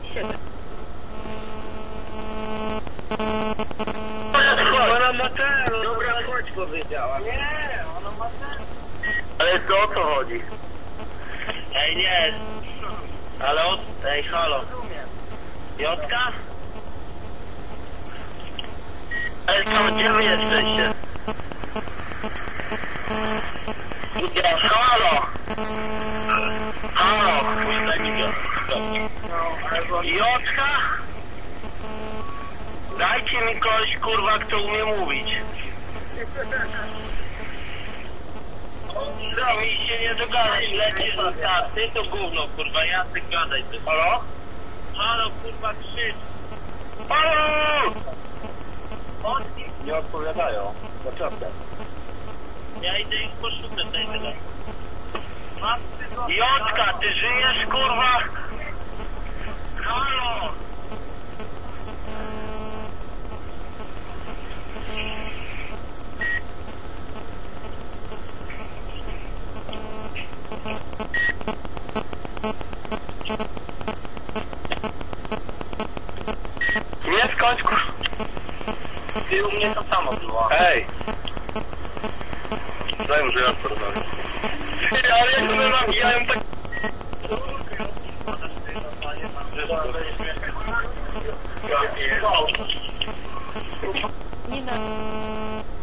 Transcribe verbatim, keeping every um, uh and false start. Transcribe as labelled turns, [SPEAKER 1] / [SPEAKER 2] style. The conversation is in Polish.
[SPEAKER 1] Ona ma ten, dobra, chodź powiedziała. Nie, ona ma ten. Ale to o co chodzi? Ej, nie. Halo? Ej, halo. Jotka? Ej, tam gdzie wy jesteście? Ja, halo! Halo! Jotka? Dajcie mi kogoś, kurwa, kto umie mówić. No, mi się nie dogadasz, lecisz na tak, ty to gówno, kurwa, ja ty gadaj, ty. Halo? Halo, kurwa, krzycz. Halo! Nie odpowiadają, naprawdę. Ja idę ich poszukać, daj tyle. Jotka, ty żyjesz, kurwa? Halo! Nie skończ, kurwa. Ty u mnie to samo było. Ej! Daj mu, że ja porozmawiam. Ty, ale jak one nabijają tak...
[SPEAKER 2] Nie ma.